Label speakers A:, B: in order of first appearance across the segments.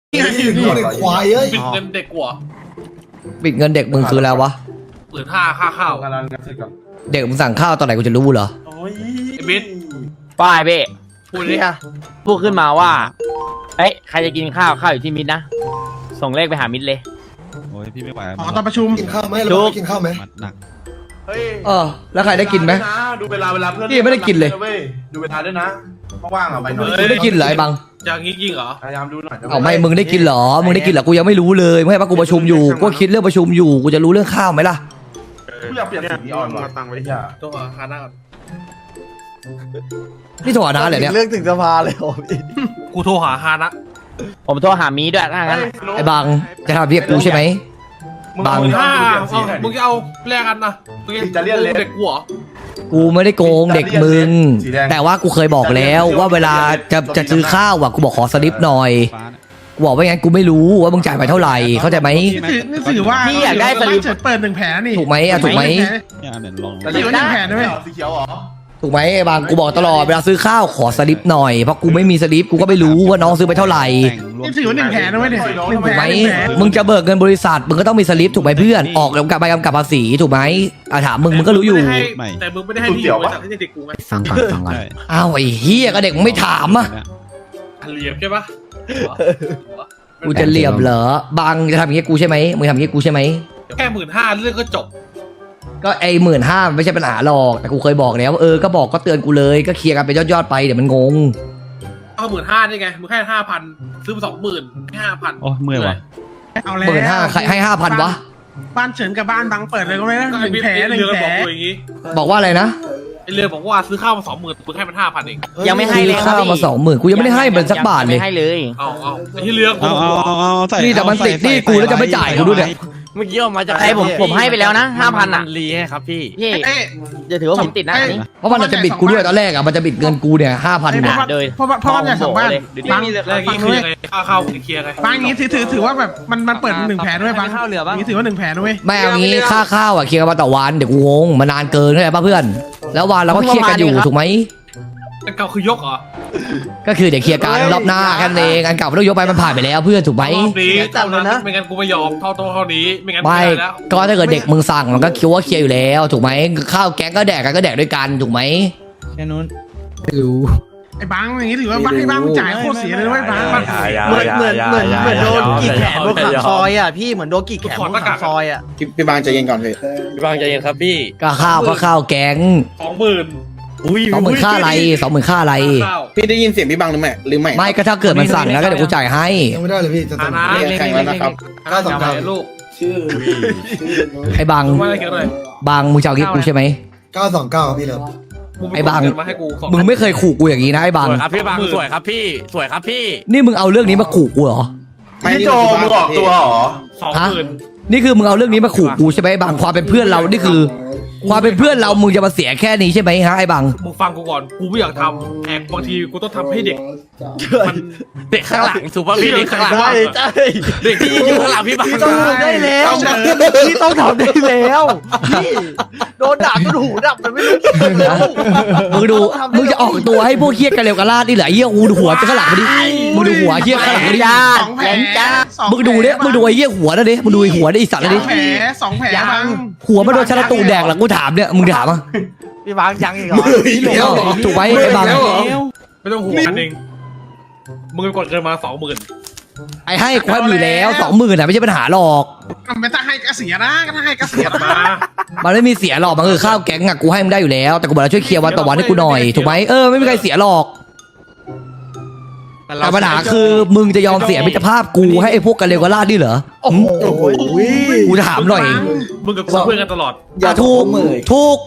A: เด็กควายเอ้ย
B: ปิดเงินเด็กกว่า
C: ปิดเงินเด็กมึงคืออะไรวะ
B: 15,000ค่าข้าว
D: กำลังจะเสร็จก่อน
C: เด็กมึงสั่งข้าวตอนไหนกูจะรู้เหรอ
D: โอ้ย
B: ไอ้บิ๊ด
E: ป้ายเบ้
B: พูดดิ
E: พูดขึ้นมาว่าเอ้ยใครจะกินข้าวอยู่ที่มิดนะส่งเลขไปหามิดเลย
F: โอ้ยพี่ไม่ไหว
D: อ๋อตอนประชุม
A: กินข้าวไหมเรากินข้าวไหม
F: มัดหนัก
D: เฮ้ย
C: แล้วใครได้กินไหม
D: ดูเวลาเพื่อน
C: พี่ไม่ได้กินเลย
D: ดูเวลาด้วยนะว่างๆอ่ะไปหน่อย
C: มึงได้กินเหรอไอ้บัง
B: อย่างนี้จริงเหรอ
D: พยายามดูหน่อย
C: เอาไม่มึงได้กินเหรอมึงได้กินเหรอกูยังไม่รู้เลยไม่ให้ปะกูประชุมอยู่กูคิดเรื่องประชุมอยู่กูจะรู้เรื่องข้าวไหมล่ะ
D: กูอยากเปลี่ยนสีอ่อนมาตังไว้ที่อ่ะ
B: ตัวคาหน้าก่อน
C: นี่โทรหาน้าเลยเนี่ย
G: เรื่องถึงสภาเลยโอ้พี่
B: กูโทรหาฮานะ
E: ผมโทรหามีด้วยถ้างั้น
C: ไอ้บังจะทำเรียกกูใช่ไหม บาง
B: มึงจะเอาแลกกันนะมึงจะเรียกเด็กกูเหรอ
C: กูไม่ได้โกงเด็กมึงแต่ว่ากูเคยบอกแล้วว่าเวลาจะซื้อข้าวอ่ะกูบอกขอสลิปหน่อย
F: ฟ้าเนี่ย
C: กูบอกว่างั้นกูไม่รู้ว่ามึงจ่ายไปเท่าไหร่เข้าใจไหม
D: นี่ถือว่า
E: พี่อยากได้สลิป
D: เปิดหนึ่งแผลนี่
C: ถูกไหมถูกไหม
F: เนี่ยเดี๋ยวลอง
D: ถือว่าหนึ่งแผลด้วยสีเขียวเหรอ
C: ถูกไหมไอ้บางกูบอกตลอดเวลาซื้อข้าวขอสลิปหน่อยเพราะกูไม่มีสลิปกูก็ไม่รู้ว่าน้องซื้อไปเท่าไหร่
F: แต่งรวม
D: นี่ถือว่าหนึ่งแผลด้วยเนี่ยหนึ่ง
C: ถูก
D: แผ
C: ไห
D: ล
C: มมึงจะเบิกเงินบริษัทมึงก็ต้องมีสลิปถูกไหมเพื่อนออกกับใบกำกับภาษีถูกไหมถามมึงก็รู้อยู่
B: แต่มึงไม่ได้ให้ที่อยู่บริษัทให้เด็กกูไง
G: ฟังก่อนฟังก่อน
F: ใช่
C: อ้าวไอ้เฮียก็เด็กมึงไม่ถามอ่ะ
B: เหลี่ยมใช่ปะ
C: กูจะเหลี่ยมเหรอบางจะทำอย่างเงี้ยกูใช่ไหมมึงทำอย่างเงี้ยกูใช่ไหม
B: แค่15,000เรื่องก็จบ
C: ก็ไอ้15,000ไม่ใช่ปัญหาหรอกแต่กูเคยบอกแล้วว่าก็บอกก็เตือนกูเลยก็เคลียร์กันเป็นยอดๆไปเดี๋ยวมันงง
B: เอา15,000ได้ไงมึงแค่5,000ซื้อมา20,000แค่5,000
F: โอ้ยเมื่อยว่ะ
D: เอาแล้ว
C: 15,000ใครให้5,000วะ
D: บ้านเฉินกับบ้านบังเปิดเลยก็ไม่ได้
B: ก็
D: ห
B: ไอ้
D: นึ่ง
B: บิ๊ด
D: แผลหนึ่ง
B: เรือ
D: แผล
B: บอกกูอย่างงี้
C: บอกว่าอะไรนะ
B: ไอ้เรือบอกว่าซื้อข้าวมา20,000มึงให้มัน5,000เอง
E: ยังไม่ให้เลย
C: ข้าวมา20,000กูยังไม่ได้ให้มันสักบาทเลย
E: ไม่ให้เลย
B: เอาไอ้ที่เรือกู
F: เอาใส่
C: นี่แต่มันติดหนี่กูแล้วจะไม่จ่ายกูด้วยเนี่ย
G: เมื่อกี้ออกมาจาก
E: ใครผมให้ไปแล้วนะ5,000อ่ะ
G: รีให้ครับพี่
E: พี่
D: เอ๊ะ
E: จะถือว่าผมติดนะอันนี้
C: เพราะมันจะบิดกูด้วยตอนแรกอ่ะมันจะบิดเงินกูเนี่ย5,000
D: เพ
C: เนี่ย
D: ราะว่าเพราะว่าอยากสั่งบ้านบัง
B: แล้วอย่างงี้คือยังไงค่าข้าวมึงเคลียร์ไง
D: บางอย่างนี้ถือว่าแบบมันเปิดหนึ่งแผลด้วยบางอย่างนี้ถือว่าหนึ่งแผลด้วย
C: ไม่เอางี้ค่าข้าวอ่ะเคลียร์กันมาต่อวันเดี๋ยวกูงงมันนานเกินเข้าใจป่ะเพื่อน แล้ววันเราก็เคลียร์กันอยู่ถูกไหม
B: อันเก่าคือยกเหรอ
C: ก็คือเดี๋ยวเคลียร์กันรอบหน้าแค่นั้นเองอันเก่าไม่ต้องยกไปมันผ่านไปแล้วเพื่อนถูกไหม
B: รอบนี้เท่านั้นไม่งั้นกูไม่ยอมเท่านี้ไม่งั้น
C: ไม่
B: ไม่ได้แล้ว
C: ก็ถ้าเกิดเด็กมึงสั่งมันก็คิดว่าเคลียร์อยู่แล้วถูกไหมข้าวแก๊งก็แดกกันก็แดกด้วยกันถูกไหม
F: แค่นู้น
C: ไม่รู้
D: ไอ้บางอย่างนี้ถือว่าบ้านให้บ้างจ่ายโคตรเสียเลยด้วยบาง
G: เหมือนโดนกี่แขนโดนขังซอยอ่ะพี่เหมือนโดนกี่แขนโดนขังซอยอ่ะ
H: พี่บางใจเย็นก่อนพี่
G: พี่บางใจเย็นครับพี่
C: ก็ข้าวแก๊ง
B: 20,000
C: 20,000ค่าอะไร20,000ค่าอะไร
B: ข้าว
H: พี่ได้ยินเสียงพี่บางหรือไม่
C: ไม่ก็ถ้าเกิดมันสั่งนะก็เดี๋ยวกูจ่ายให้
A: ยังไม่ได้เลยพี่จะ
B: ฮา
A: ทำ
B: นะ
H: แข่งแล้วนะครับ
B: 929ลูก
C: ไอ้บาง
B: ว่าอะไรเกี่ยวกับอะไร
C: บางมึงจะเอางี้กูใช่ไหม
A: 929พี่เลิฟ
C: ไอ้บาง
B: มาให้กู
C: มึงไม่เคยขู่กูอย่างนี้นะไอ้บาง
G: สวยครับพี่บางสวยครับพี่สวยครับพี่
C: นี่มึงเอาเรื่องนี้มาขู่กูเหรอ
H: พี่โจมึงออกตัวเหรอ
B: 20,000
C: นี่คือมึงเอาเรื่องนี้มาขู่กูใช่ไหมไอ้บางความเป็นเพื่อนเรานี่คือ ความเป็นเพื่อนเรามึงจะมาเสียแค่นี้ใช่ไหมฮะไอ้บาง
B: มึงฟังกูก่อนกูไม่อยากทำแต่บางทีกูต้องทำให้เด็กมัน
G: เด็กข้างหลังสุภาพพี่เด็กข้างหลัง
B: ใช่
G: ใช่เด็กที่ยืนอยู่ข้างหลังพี่บาง
D: ต้องทำได้แล้ว
G: พี่ต้องทำได้แล้วพี่โดนด่าจนหูดับมันไม่รู้กี่แล้ว
C: มึงดูมึงจะออกตัวให้พวกเฮี้ยกันเร็วกันลาดนี่เหรอเฮี้ยอูดูหัวจะข้างหลังมาดิมึงดูหัวเฮี้ยข้างหลังมาดิ
D: สองแผล
C: มึงดูเนี่ยมึงดูไอ้เฮี้ยหัวนั่นดิมึงดูไอ้หัวนี่ไอ้สัตว์นั่นดิ
D: สองแผลบาง
C: หัวมันโดนชาลตูแดกหลังกูถามเนี่ยมึงถามอ่ะ
G: พี่บางยังอีกเหรอ
C: ถูกไหมไอ้บาง
B: ไม่ต้องห่วงกันเองมึงไปกดเกินมา20,000
C: ไอ้ให้กูให้มึงอยู่แล้ว20,000อ่ะไม่ใช่ปัญหาหรอก
D: ไม่ต้องให้กระเสียนะก็ต้องให้กระเสีย
B: มา
C: มันไม่มีเสียหรอกมันคือข้าวแก๊งอ่ะกูให้มึงได้อยู่แล้วแต่กูบอกแล้วช่วยเคลียร์วันต่อวันให้กูหน่อยถูกไหมไม่มีใครเสียหรอกแต่ปัญหาคือมึงจะยอมเสียมิตรภาพกูให้ไอ้พวกกันเร็วกันลาดนี่เหรอ
G: โอ้โห
C: กูถามหน่อย
B: มึงกับกูเพื่อนกันตลอด
C: ถูก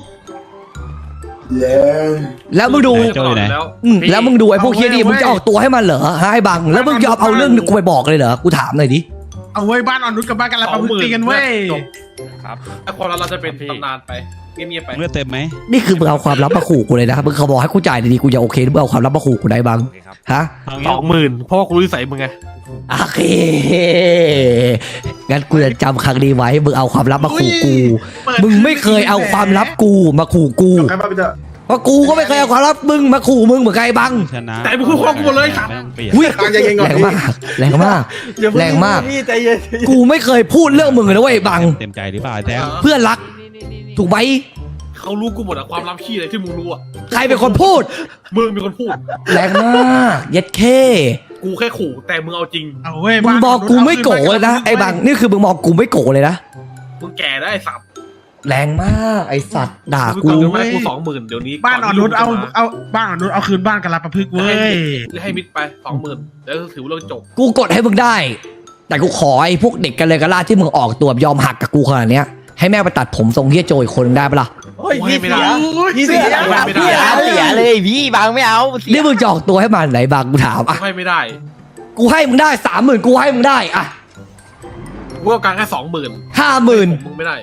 C: แล้วมึงดู
F: โจ้ยไหน
B: แล้ว
C: แล้วมึงดูไอ้พวกเฮียนี่มึงจะออกตัวให้มันเหรอฮะไอ้บังแล้วมึงยอมเอาเรื่องกูไปบอกเลยเหรอกูถามหน่อยดิ
D: เอาเว้ยบ้านอ่อนนุชกับบ้านกันแล้วประพฤติกันเว้ย
B: ไอ้คนเราจะเป็นตำนานไปเงียบๆไป
F: เลือดเต็มไหม
C: นี่คือมึงเอาความลับมาขู่กูเลยนะครับมึงเขาบอกให้กูจ่ายดีๆกูจะโอเคหรือมึงเอาความลับมาขู่กูได้บังฮะ
F: เอางี้
B: 20,000เพราะว่ากูรู้นิสัยมึงไง
C: โอเคงั้นกูจะจำครั้งนี้ไว้มึงเอาความลับมาขู่กูมึงไม่เคยเอาความลับกูมาขู่กู
D: ใครบ้าไปเถอะ
C: เพราะกูก็ไม่เคยเอาความลับมึงมาขู่มึงเหมือนไงบัง
F: ชนะ
B: แต่มึงพูดความกูหมดเลยครับ
F: ไม่ต้องเปลี่ยน
C: อุ้ย
H: ใจเย็นก่อน
C: แรง
H: พี่
C: มากแรงมาก
G: อย่าเพิ่
C: แรงมาก
G: พี่ใจเย็น
C: กูไม่เคยพูดเรื่องมึงเลยนะเว้ยบัง
F: เต็มใจหรือเปล่าแซม
C: เพื่อนรัก ถูกไหม
B: เขารู้กูหมดอะความลับขี้อะไรที่มึงรู้อะ
C: ใครเป็นคนพูด
B: มึงเป็นคนพูด
C: แรงมากเย็ดเค
B: กูแค่ขู่แต่มึงเอาจริง
D: เอาเว้ย
C: มึงบอกกูไม่โกรธเลยนะไอ้บังนี่คือมึงบอกกูไม่โกรธเลยนะ
B: มึงแก่ได้ไอ้สัตว์
C: แรงมากไอ้สัตว์ด่า
B: มึง
C: กู
B: ก่อนเงินมาให้กู20,000เดี๋ยวนี้
D: บ้านอ่อนนุช
B: ก่ที่ลูกจะม
D: เอาบ้านอ่อนนุชเอาคืนบ้านกันละประพฤกษ์เว้ย
B: ให้มิดไป20,000แล้วถือว่าเรื่องจบ
C: กูกดให้มึงได้ แต่กูขอไอ้พวกเด็กกันเลยกระลาดที่มึงออกตัวยอมหักกับกูขนาดเนี้ยให้แม่งไปตัดผมทรงเฮียโจอีกคนนึงได้ปะล่ะ
G: โอ้ยพี่
B: ไม่
G: เสี
B: ได้
G: ยพี่เสีย
B: ไม่ได้
E: เสียเลยพี่บางไม่เอาเสีย
C: นี่มึงจะออกตัวให้มันไหนบางกูถามอ่ะ
B: ให้ไม่ได้
C: กูให้มึงได้30,000กูให้มึงได้อ่ะ
B: กูเอาการแค่20,000
C: 50,000
B: มึงไม่ได้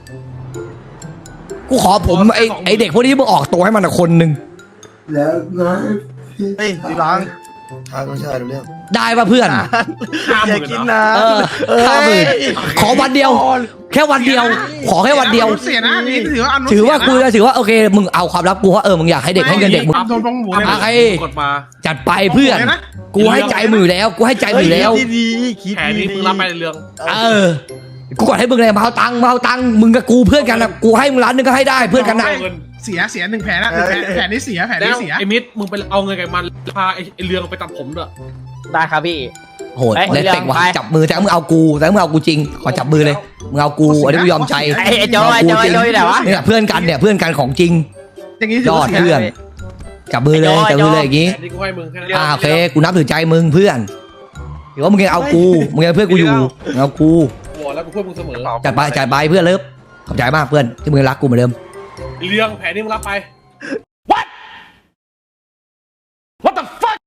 C: กูขอผมไอ้เด็กพวกนี้มึงออกตัวให้มันคนนึง
A: แล้วนะ
G: เฮ้ยพี่บัง
A: ทางก็ใช่รู้เรื่อง
C: ได้ป่ะเพื่อน
G: อย่ากิน
B: 50,000
G: นะ
C: เออ50,000ขอวันเดียว แค่วันเดียว ขอแค่วันเดียว
D: เสียนะนี่ถือว่าอนุ
C: ถือว่ากูจะถือว่าโอเคมึงเอาความลับกูว่ามึงอยากให้เด็กให้เงินเด็กมึง
D: โดนบ้องหมูเลย
C: อ่ะ
D: นะ
C: ไอ้
B: กดมา
C: จัดไปเพื่อน
D: เลยนะ
C: กูให้ใจมือแล้ว กูให้ใจมือแล้ว
G: คิดดีๆคิด
B: แผนนี้
G: ดี
B: มึงรับไปในเรื่อง
C: เออ กูกดให้มึงเลยมาเอาตังค์มึงกับกูเพื่อนกันนะกูให้มึง1,000,000ก็ให้ได้เพื่อนกันนะ
B: เอาเงิน
D: เสียหนึ่งแผลนะแผลนี้เสียแผล
B: แล้
D: นี้
B: ว
D: เสีย
B: ไอ้มิดมึงไปเอาเงินกับมันพาไอ้เรืองไปตัดผมด้วย
E: ได้ครับพี่
C: โหด
E: เอ้ย
C: เล่นเต็กว่ะ
E: เรื่องไป
C: จับมือแต่มึงเอากูแต่มึงเอากูจริงขอจับมือเลยมึงเอากูอันนี้กูยอมใจ
E: ไอ้โจ้ไอ้โจ้ไอ้โจ้อยู่ไหนวะ
C: เนี่ยเพื่อนกันเนี่ยเพื่อนกันของจริง
D: อย่างนี้
C: ยอด
D: เสีย
C: เพื่อนจับมือเลย
E: ไอ้
C: จับ
E: โจ้
C: มือเลยอย่างงี้
B: แผนนี้กูให้มึงแค่นั้น
C: โอเคกูนับถือใจมึงเพื่อนถือว่ามึงยังเอากูมึงยังเพื่อนกูอยู่มึงเอากู
B: กูบอกแล้วกูเพื่อนมึงเสมอ
C: จัดไปเพื่อนเลิฟขอบใจมากเพื่อนที่มึงรักกูเหมือนเดิม
B: เรื่องแผนนี้มึงรับไป